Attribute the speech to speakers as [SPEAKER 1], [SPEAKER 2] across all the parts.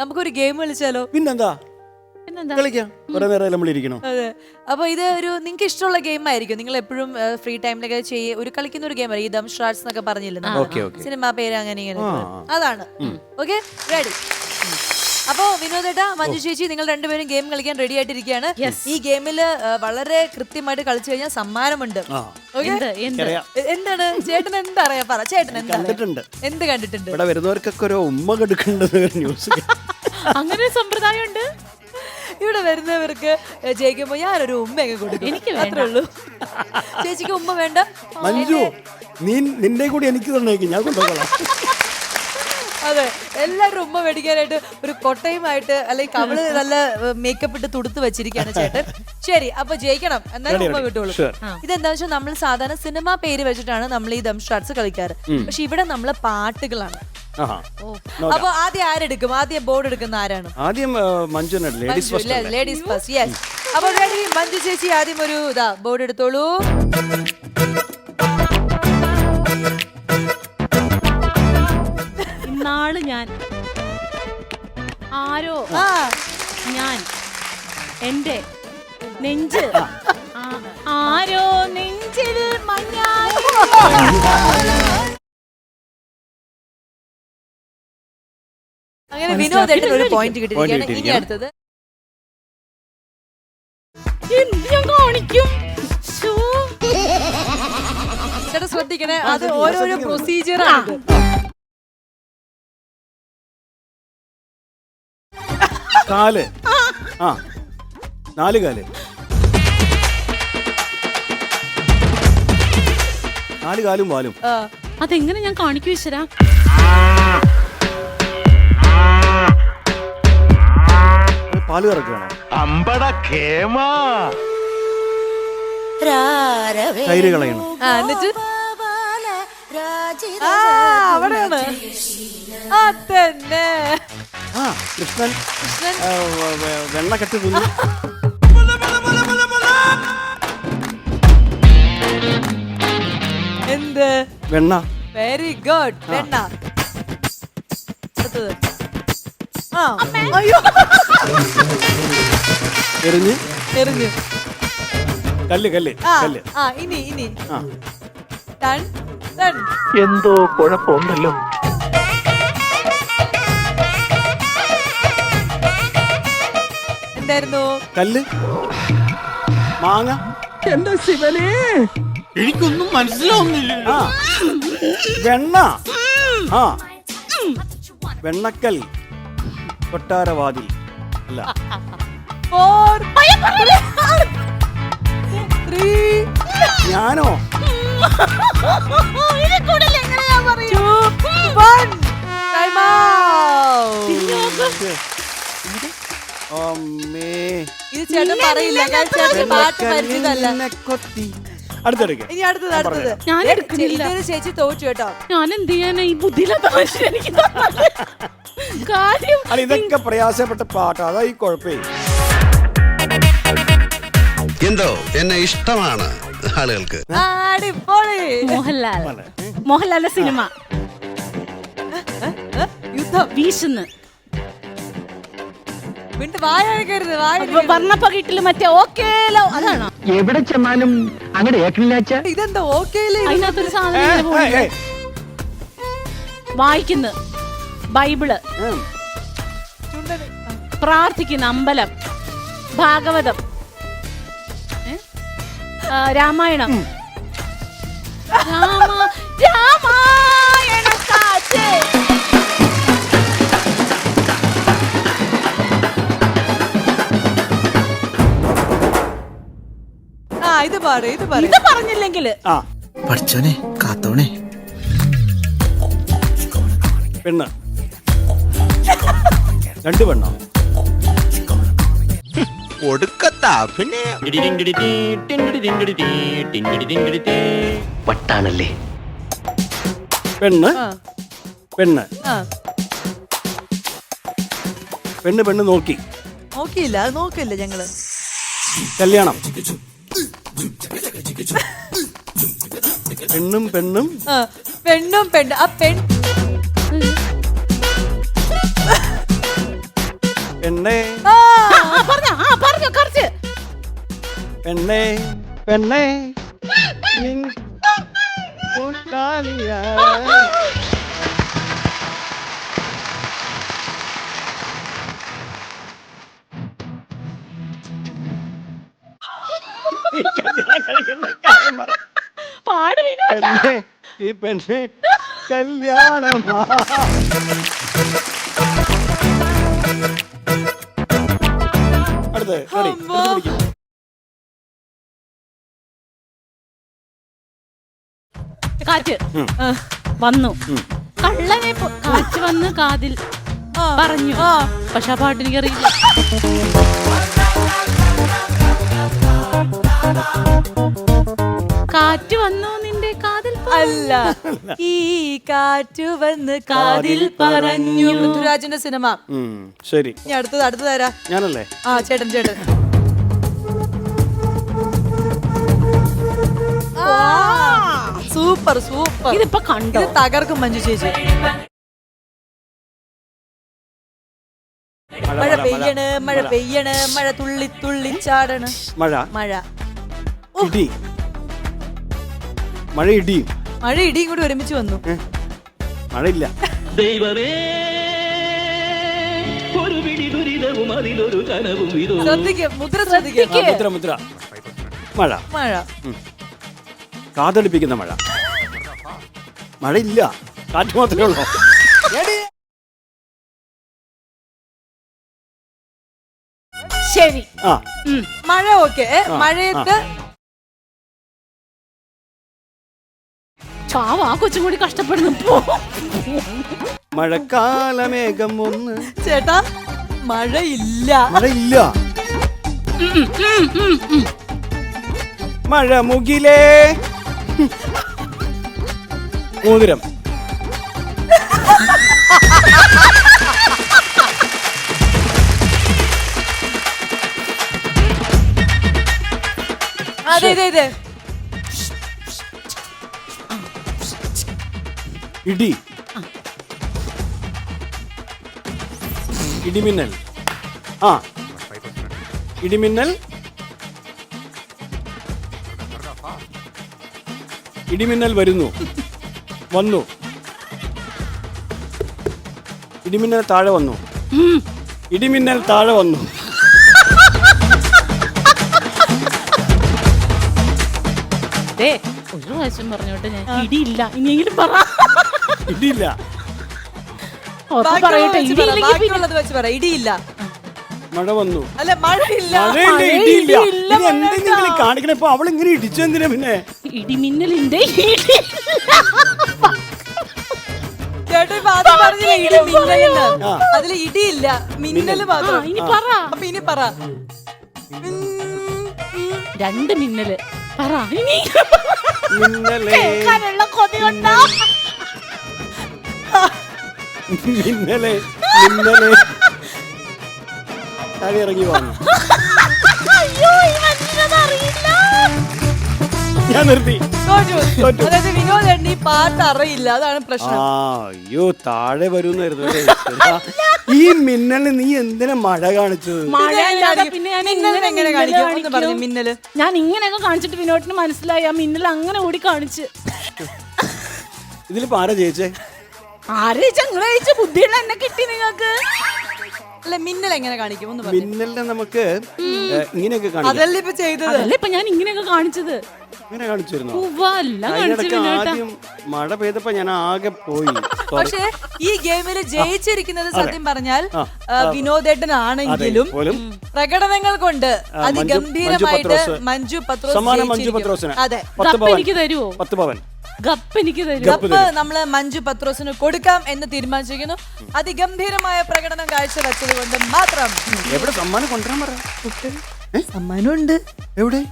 [SPEAKER 1] നമുക്കൊരു ഗെയിം കളിച്ചാലോ?
[SPEAKER 2] പിന്നെന്താ കളിക്കാം, കുറെ നേരം നമ്മളിരിക്കണോ?
[SPEAKER 1] അതെ. അപ്പൊ ഇത് ഒരു നിങ്ങൾക്ക് ഇഷ്ടമുള്ള ഗെയിം ആയിരിക്കും. നിങ്ങൾ എപ്പോഴും ഫ്രീ ടൈമിലൊക്കെ ഒരു കളിക്കുന്ന ഒരു ഗെയിം ഈ ദം ഷാർട്സ് എന്നൊക്കെ പറഞ്ഞില്ലേ, സിനിമ പേര് അങ്ങനെ ഇങ്ങനെ, അതാണ്. Okay, ready? അപ്പൊ വിനോദേട്ടാ, മഞ്ജു ചേച്ചി, നിങ്ങൾ രണ്ടുപേരും ഗെയിം കളിക്കാൻ റെഡി ആയിട്ടിരിക്കുകയാണ്. ഈ ഗെയിമില് വളരെ കൃത്യമായിട്ട് കളിച്ചു കഴിഞ്ഞാൽ സമ്മാനമുണ്ട്. എന്താണ് ചേട്ടൻ എന്താ അറിയാ? പറ ചേട്ടൻ എന്ത് കണ്ടിട്ടുണ്ട്?
[SPEAKER 2] ഇവിടെ വരുന്നവർക്കൊക്കെ ഒരു ഉമ്മ കൊടുക്കേണ്ടത് ന്യൂസ്.
[SPEAKER 3] അങ്ങനെ സമ്പ്രദായം ഉണ്ട്.
[SPEAKER 1] ഇവിടെ വരുന്നവർക്ക് ജയിക്കുമ്പോ ഞാനൊരു ഉമ്മയൊക്കെ കൊടുക്കും. എനിക്ക് മാത്രമേ ഉള്ളൂ. ചേച്ചിക്ക് ഉമ്മ വേണ്ട?
[SPEAKER 2] മഞ്ജു, നിന്റെ കൂടി എനിക്ക് തന്നേക്കും, ഞാൻ കൊണ്ടുപോകാം.
[SPEAKER 1] അതെ, എല്ലാവരും ഉമ്മ മേടിക്കാനായിട്ട് ഒരു കൊട്ടയുമായിട്ട് അല്ലെങ്കിൽ കവള് നല്ല മേക്കപ്പ് ഇട്ട് തുടുത്ത് വെച്ചിരിക്കുകയാണ് ചേട്ടൻ. ശരി, അപ്പൊ ജയിക്കണം എന്നാലും ഉമ്മ കിട്ടുള്ളൂ. ഇതെന്താ വെച്ചാൽ നമ്മൾ സാധാരണ സിനിമ പേര് വെച്ചിട്ടാണ് നമ്മൾ ഈ ദം ഷാർട്സ് കളിക്കാറ്. പക്ഷെ ഇവിടെ നമ്മള് പാട്ടുകളാണ്. അപ്പൊ ആദ്യം ആരെടുക്കും? ആദ്യം ബോർഡ് എടുക്കുന്ന ആരാണ്?
[SPEAKER 2] ആദ്യം മഞ്ജു,
[SPEAKER 1] ലേഡീസ് ഫസ്റ്റ്. യെസ്. അപ്പൊ റെഡി, മഞ്ജു ചേച്ചി ആദ്യം ഒരു ബോർഡ് എടുത്തോളൂ.
[SPEAKER 3] നാള് ഞാൻ ആരോ ഞാൻ എന്റെ നെഞ്ച് ആരോ നെഞ്ചിൽ മഞ്ഞായി.
[SPEAKER 1] അങ്ങനെ വിനോദേട്ടൻ ഒരു പോയിന്റ് കിട്ടിയിരിക്കുകയാണ്. ഇനി അടുത്തത്
[SPEAKER 3] ഞാൻ കാണിക്കും.
[SPEAKER 1] ചേട്ടാ ശ്രദ്ധിക്കണേ, അത് ഓരോരോ പ്രൊസീജിയർ ആണ്.
[SPEAKER 2] കാല്, 4 കാല്, 4 കാലും വാലും.
[SPEAKER 3] അതെങ്ങനെ ഞാൻ കാണിക്കൂ ഈശ്വര?
[SPEAKER 2] പാല് കറക്കുകയാണോ? തൈര് കളയണം.
[SPEAKER 1] എന്നിട്ട് അവിടെയാണ് അതന്നെ.
[SPEAKER 2] കൃഷ്ണൻ വെണ്ണ കെട്ടി തിന്നു.
[SPEAKER 1] എന്ത്?
[SPEAKER 2] വെണ്ണ.
[SPEAKER 1] Very good. വെണ്ണ. അടുത്തത് അയ്യോ,
[SPEAKER 2] എറിഞ്ഞ്
[SPEAKER 1] എറിഞ്ഞു.
[SPEAKER 2] കല്ല് കല്ല് കല്ല്.
[SPEAKER 1] ഇനി ടൺ ടൺ.
[SPEAKER 4] എന്തോ കുഴപ്പമുണ്ടല്ലോ.
[SPEAKER 1] എന്തായിരുന്നു?
[SPEAKER 2] കല്ല്, മാങ്ങ.
[SPEAKER 4] എന്റെ ശിവനെ, എനിക്കൊന്നും മനസ്സിലാവുന്നില്ല.
[SPEAKER 2] വെണ്ണ. വെണ്ണക്കൽ, കൊട്ടാരവാതിൽ. അല്ല,
[SPEAKER 1] 4 3
[SPEAKER 2] ഞാനോ?
[SPEAKER 1] 2 1 ടൈം ഔട്ട്. ഇത് ചേട്ടൻ പറയില്ല, ചേട്ടൻ പാട്ട് പരിചിതല്ല. ഇനി അടുത്തത്
[SPEAKER 3] ഞാൻ എടുക്കുന്നില്ല.
[SPEAKER 1] ചേച്ചി തോറ്റു കേട്ടോ.
[SPEAKER 3] ഞാൻ എന്ത് ചെയ്യാനാ ഈ ബുദ്ധിയില്ലാത്ത മനുഷ്യൻ? എനിക്ക് കാര്യം
[SPEAKER 2] ഇതൊക്കെ പ്രയാസപ്പെട്ട പാട്ടാ, അതാ ഈ കുഴപ്പേ.
[SPEAKER 5] എന്തോ എന്നെ ഇഷ്ടമാണ് ആളുകൾക്ക്.
[SPEAKER 3] മോഹൻലാലിന്റെ സിനിമ
[SPEAKER 1] യുദ്ധം
[SPEAKER 3] വീശുന്നു.
[SPEAKER 1] വർണ്ണപ്പ
[SPEAKER 3] കിട്ടില്ല മറ്റേ ഓക്കേലോ, അതാണോ?
[SPEAKER 4] എവിടെ ചെന്നാലും അങ്ങനെ ഏക്കണില്ലാച്ച.
[SPEAKER 1] ഇതെന്താ ഓക്കേലോ?
[SPEAKER 3] അതിനകത്തൊരു സാധനം വായിക്കുന്നു. ബൈബിള്, പ്രാർത്ഥിക്കുന്ന അമ്പലം, ഭാഗവതം, രാമായണം. രാമായണ കാറ്റ്.
[SPEAKER 1] ഇത്
[SPEAKER 3] പറഞ്ഞില്ലെങ്കിൽ
[SPEAKER 4] പഠിച്ചോനെ കാത്തോണേ.
[SPEAKER 2] പെണ്ണ്, 2 പെണ്ണോ?
[SPEAKER 4] വട്ടാണല്ലേ.
[SPEAKER 2] പെണ്ണ് പെണ്ണ് പെണ്ണ് പെണ്ണ്
[SPEAKER 1] നോക്കിയില്ല, അത് നോക്കില്ല ഞങ്ങള്.
[SPEAKER 2] കല്യാണം. പെണ്ണും പെണ്ണും
[SPEAKER 1] പെണ്ണും പെണ്ണ്. ആ
[SPEAKER 2] പെണ്ണേ
[SPEAKER 1] ആ,
[SPEAKER 3] പറഞ്ഞോ കുറച്ച്.
[SPEAKER 2] പെണ്ണേ പെണ്ണേ നിൻ കൂട്ടാളിയാ.
[SPEAKER 3] പാട് വിനു.
[SPEAKER 2] പെണ്ണേ ഈ പെണ്ണേ കല്യാണമാ. അടുത്ത് ready?
[SPEAKER 1] അമ്മോ.
[SPEAKER 2] എടുത്ത് പിടിക്ക്.
[SPEAKER 3] കാറ്റ്
[SPEAKER 1] ആ,
[SPEAKER 3] വന്നു. കള്ളനെ കാറ്റ് വന്ന് കാതിൽ
[SPEAKER 1] ആ,
[SPEAKER 3] പറഞ്ഞു.
[SPEAKER 1] ആ.
[SPEAKER 3] പക്ഷെ ആ പാട്ട് എനിക്കറിയില്ല. കാറ്റ് വന്നു നിന്റെ കാതിൽ
[SPEAKER 1] അല്ല, ഈ കാറ്റു വന്ന് കാതിൽ പറഞ്ഞു. പൃഥ്വിരാജിന്റെ സിനിമ.
[SPEAKER 2] ശരി,
[SPEAKER 1] ഇനി അടുത്തത് തരാ.
[SPEAKER 2] ഞാനല്ലേ?
[SPEAKER 1] ആ, ചേട്ടൻ. Super super.
[SPEAKER 3] ഇതിപ്പോ കണ്ടോ?
[SPEAKER 1] ഇത് തകർക്കും മഞ്ജു ചേച്ചി. മഴ പെയ്യണ്, മഴ പെയ്യണ്, മഴ തുള്ളി തുള്ളി ചാടണ്.
[SPEAKER 2] മഴ
[SPEAKER 1] മഴ
[SPEAKER 2] ഇടി. മഴ ഇടിയും.
[SPEAKER 1] മഴ ഇടിയും കൂടി ഒരുമിച്ച് വന്നു.
[SPEAKER 2] മഴയില്ല.
[SPEAKER 6] ദൈവമേ ഒരു പിടി ദുരിതവും അതിലൊരു കനവും ഇതോ
[SPEAKER 1] ശ്രദ്ധിക്കും, മുദ്ര ശ്രദ്ധിക്കും.
[SPEAKER 2] ആ, മുദ്ര മുദ്ര. മഴ.
[SPEAKER 1] മഴ
[SPEAKER 2] കാതടിപ്പിക്കുന്ന മഴ. മഴയില്ല, കാറ്റ് മാത്രമേ ഉള്ളൂ.
[SPEAKER 3] ശരി.
[SPEAKER 2] ആ,
[SPEAKER 1] മഴ ഓക്കെ. മഴയത്ത്
[SPEAKER 3] ചാവാ കൊച്ചും കൂടി കഷ്ടപ്പെടുന്നു.
[SPEAKER 2] മഴക്കാലമേഘം ഒന്ന്.
[SPEAKER 1] ചേട്ടാ മഴയില്ല.
[SPEAKER 2] മഴയില്ല. മഴ മുകിലേ. മോതിരം.
[SPEAKER 1] അതെ.
[SPEAKER 2] ഇടി. ഇടിമിന്നൽ. ആ, ഇടിമിന്നൽ. ഇടിമിന്നൽ വരുന്നു. വന്നു. ഇടിമിന്നൽ താഴെ വന്നു. ഇടിമിന്നൽ താഴെ വന്നു.
[SPEAKER 3] ഒരു പ്രാവശ്യം പറഞ്ഞോട്ടെ ഞാൻ. ഇടിയില്ല, ഇനിയെങ്കിലും പറ.
[SPEAKER 2] ഇടിയില്ല.
[SPEAKER 3] പറയട്ടെ, ഇടിയില്ലെങ്കിൽ
[SPEAKER 1] ബാക്കിയുള്ളത് വെച്ച് പറ. ഇടിയില്ല.
[SPEAKER 2] മഴ വന്നു.
[SPEAKER 1] അല്ല, മഴയില്ല.
[SPEAKER 2] മഴയില്ല, ഇടിയില്ല.
[SPEAKER 3] ഇടിയില്ല,
[SPEAKER 2] ഇത് എന്തെങ്കിലും കാണിക്കണേ. ഇപ്പൊ അവളിങ്ങനെ ഇടിച്ചെന്തിനാ പിന്നെ?
[SPEAKER 3] ഇടിമിന്നലിന്റെ
[SPEAKER 1] ചേട്ടാ ഇപ്പൊ ആദ്യം പറഞ്ഞില്ലേ ഇടി മിന്നലെന്ന്. അതില് ഇടിയില്ല, മിന്നല് മാത്രം.
[SPEAKER 3] ഇനി പറ.
[SPEAKER 1] അപ്പൊ ഇനി പറ.
[SPEAKER 3] രണ്ട് മിന്നല് പറ. ഇനി
[SPEAKER 2] മിന്നലേ.
[SPEAKER 3] കേൾക്കാനുള്ള കൊതി കൊണ്ടാ.
[SPEAKER 2] മിന്നലേ, മിന്നലേ. താഴെ ഇറങ്ങി വന്നു.
[SPEAKER 3] അയ്യോ, ഈ മനുഷ്യനത് അറിയില്ല.
[SPEAKER 2] ഞാൻ നിർത്തി.
[SPEAKER 1] തോറ്റു. അതായത് വിനോദേട്ടൻ ഈ പാട്ട് അറിയില്ല, അതാണ് പ്രശ്നം.
[SPEAKER 2] അയ്യോ, താഴെ വരുന്നായിരുന്നു. ഈ മിന്നല് നീ എന്തിനാ മഴ കാണിച്ചത്?
[SPEAKER 3] മഴ ഇല്ലാതെ പിന്നെ ഞാൻ
[SPEAKER 1] മിന്നലിനെ എങ്ങനെ കാണിക്കും? ഒന്ന് പറഞ്ഞു മിന്നല്.
[SPEAKER 3] ഞാൻ ഇങ്ങനെയൊക്കെ കാണിച്ചിട്ട് വിനോദിന് മനസ്സിലായി ആ മിന്നൽ അങ്ങനെ ഓടി കാണിച്ച്.
[SPEAKER 2] ഇതിലിപ്പോ ആരാ ജയിച്ചേ?
[SPEAKER 3] ആരെ ചങ്ങള ജയിച്ച ബുദ്ധിയുള്ള എന്നെ കിട്ടി നിങ്ങൾക്ക്.
[SPEAKER 1] അല്ല, മിന്നൽ എങ്ങനെ കാണിക്കും? ഒന്ന് പറഞ്ഞു.
[SPEAKER 2] മിന്നലിനെ നമുക്ക് ഇങ്ങനെയൊക്കെ കാണിക്കാം.
[SPEAKER 1] അതല്ലേ ഇപ്പൊ ചെയ്തത്.
[SPEAKER 3] അതല്ലേ ഇപ്പൊ ഞാൻ ഇങ്ങനെയൊക്കെ കാണിച്ചത്.
[SPEAKER 2] ഇങ്ങനെ കാണിച്ചിരുന്നു.
[SPEAKER 3] കാണിച്ചു
[SPEAKER 2] ആദ്യം മഴ പെയ്തപ്പോ ഞാൻ ആകെ പോയി.
[SPEAKER 1] പക്ഷേ ഈ ഗെയിമിൽ ജയിച്ചിരിക്കുന്നത് സത്യം പറഞ്ഞാൽ വിനോദേട്ടനാണെങ്കിലും പ്രകടനങ്ങൾ കൊണ്ട് അതിഗംഭീരമായിട്ട് മഞ്ജു പത്രോസ്. അതെ,
[SPEAKER 3] എനിക്ക് തരുമോ?
[SPEAKER 2] 10 പവൻ
[SPEAKER 3] ഗപ്പ് എനിക്ക് തരും.
[SPEAKER 1] ഗപ്പ് നമ്മള് മഞ്ജു പത്രോസിന് കൊടുക്കാം എന്ന് തീരുമാനിച്ചിരിക്കുന്നു. അതിഗംഭീരമായ പ്രകടനം കാഴ്ചവെച്ചത് കൊണ്ട് മാത്രം.
[SPEAKER 2] എവിടെ സമ്മാനം കൊണ്ടുവരാൻ പറ.
[SPEAKER 1] സമ്മാനമുണ്ട്.
[SPEAKER 2] എവിടെ?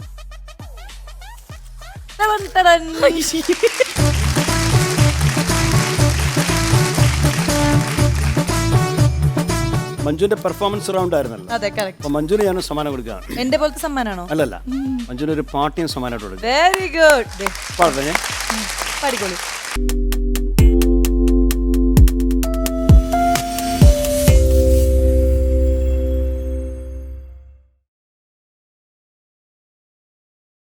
[SPEAKER 2] മഞ്ജുവിന്റെ പെർഫോമൻസ് റൗണ്ട് ആയിരുന്നല്ലോ.
[SPEAKER 1] അതെ, കറക്റ്റ്.
[SPEAKER 2] അപ്പൊ മഞ്ജുവിന് ഞാൻ സമ്മാനം കൊടുക്കുകയാണ്.
[SPEAKER 1] എന്റെ പോലത്തെ സമ്മാനാണോ?
[SPEAKER 2] അല്ലല്ല, മഞ്ജുവിന് ഒരു പാട്ടിയും സമ്മാനമായിട്ട് കൊടുക്കുക.
[SPEAKER 1] Very good.
[SPEAKER 2] പാടട്ടെ ഞാൻ?
[SPEAKER 1] പാടിക്കോളൂ.